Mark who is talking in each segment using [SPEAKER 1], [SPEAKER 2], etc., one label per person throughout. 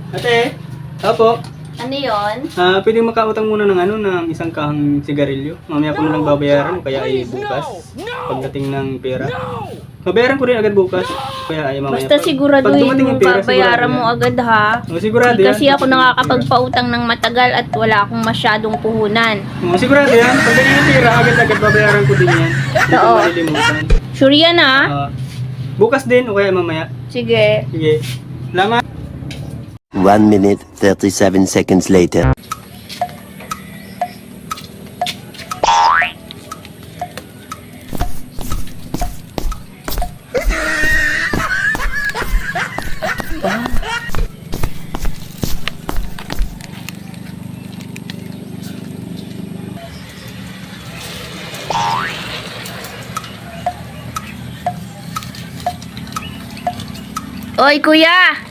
[SPEAKER 1] Ate, opo.
[SPEAKER 2] Ano yon?
[SPEAKER 1] Pwedeng makautang muna ng isang kahang sigarilyo. Mamaya ko na lang babayaran, kaya ay bukas. Pagdating ng pera. Babayaran ko rin agad bukas. Kaya ay mamaya.
[SPEAKER 2] Basta siguraduhin mo, babayaran mo agad ha.
[SPEAKER 1] Sigurado yan.
[SPEAKER 2] Kasi ako nakakapagpautang ng matagal at wala akong masyadong puhunan.
[SPEAKER 1] Sigurado yan. Pag ganyan yung pera, agad-agad babayaran ko din yan. Hindi ko
[SPEAKER 2] Oo.
[SPEAKER 1] malilimutan.
[SPEAKER 2] Sure yan ha?
[SPEAKER 1] Bukas din o kaya mamaya.
[SPEAKER 2] Sige.
[SPEAKER 1] Sige. Salamat.
[SPEAKER 3] 1 minute, 37 seconds later.
[SPEAKER 2] Oy kuya!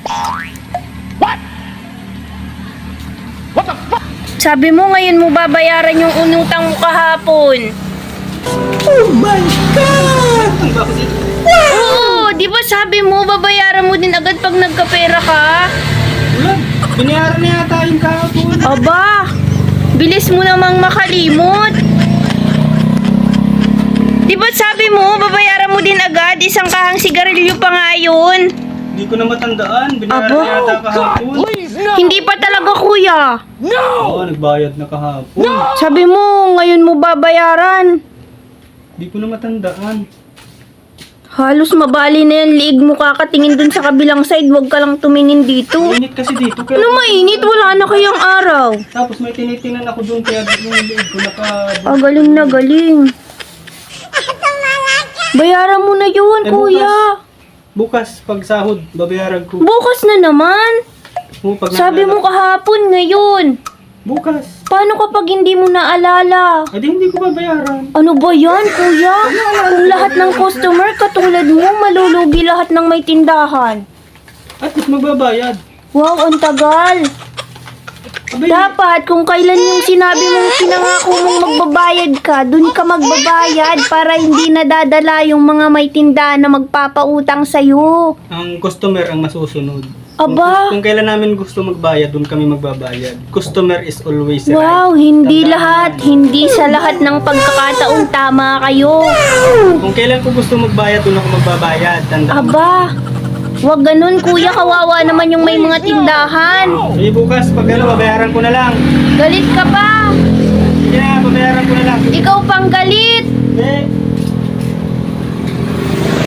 [SPEAKER 2] Sabi mo ngayon mo babayaran yung unutang mo kahapon.
[SPEAKER 1] Oh my God! Ang bakit?
[SPEAKER 2] Oo, di ba sabi mo babayaran mo din agad pag nagkapera ka?
[SPEAKER 1] Wala. Binayaran na yata yung kahapon.
[SPEAKER 2] Aba, bilis mo namang makalimot. Di ba sabi mo babayaran mo din agad, isang kahang sigarilyo pa nga yun?
[SPEAKER 1] Hindi ko na matandaan. Binayaran
[SPEAKER 2] Aba.
[SPEAKER 1] na yata kahapon.
[SPEAKER 2] Hindi pa talaga kuya.
[SPEAKER 1] Oo, nagbayad na kahapon.
[SPEAKER 2] Sabi mo ngayon mo babayaran.
[SPEAKER 1] Hindi ko na matandaan.
[SPEAKER 2] Halos mabali na yan, liig mo kakatingin dun sa kabilang side, wag ka lang tumingin dito.
[SPEAKER 1] Mainit kasi dito. Kaya
[SPEAKER 2] Ano mainit? Wala na kayang araw.
[SPEAKER 1] Tapos may tinitingnan ako doon kaya yung liig ko
[SPEAKER 2] Galing na galing. Bayaran mo na yun,
[SPEAKER 1] Eh,
[SPEAKER 2] kuya.
[SPEAKER 1] Bukas, pag sahod, babayaran ko.
[SPEAKER 2] Bukas na naman.
[SPEAKER 1] Pag
[SPEAKER 2] Sabi mo kahapon ngayon.
[SPEAKER 1] Bukas.
[SPEAKER 2] Paano kapag hindi mo naalala?
[SPEAKER 1] Eh di hindi ko babayaran.
[SPEAKER 2] Ano ba yan, kuya? Kung lahat ng customer katulad mo, malulugi lahat ng may tindahan.
[SPEAKER 1] At least magbabayad.
[SPEAKER 2] Wow, ang tagal.
[SPEAKER 1] Abay,
[SPEAKER 2] Dapat kung kailan yung sinabi mong pinangako mong magbabayad ka, dun ka magbabayad para hindi nadadala yung mga may tindahan na magpapautang sa'yo.
[SPEAKER 1] ang customer ang masusunod.
[SPEAKER 2] Aba.
[SPEAKER 1] Kung kailan namin gusto magbayad, doon kami magbabayad. Customer is always right.
[SPEAKER 2] Wow, hindi
[SPEAKER 1] Tandaan
[SPEAKER 2] lahat,
[SPEAKER 1] yan.
[SPEAKER 2] hindi sa lahat ng pagkakataong tama kayo.
[SPEAKER 1] Kung kailan ko gusto magbayad, doon ako magbabayad. Tandaan.
[SPEAKER 2] Aba, wag ganun kuya, kawawa naman yung may mga tindahan.
[SPEAKER 1] Eh bukas, pag babayaran ko na lang.
[SPEAKER 2] Galit ka pa,
[SPEAKER 1] Sige na, babayaran ko na lang.
[SPEAKER 2] ikaw pang galit.
[SPEAKER 1] Eh,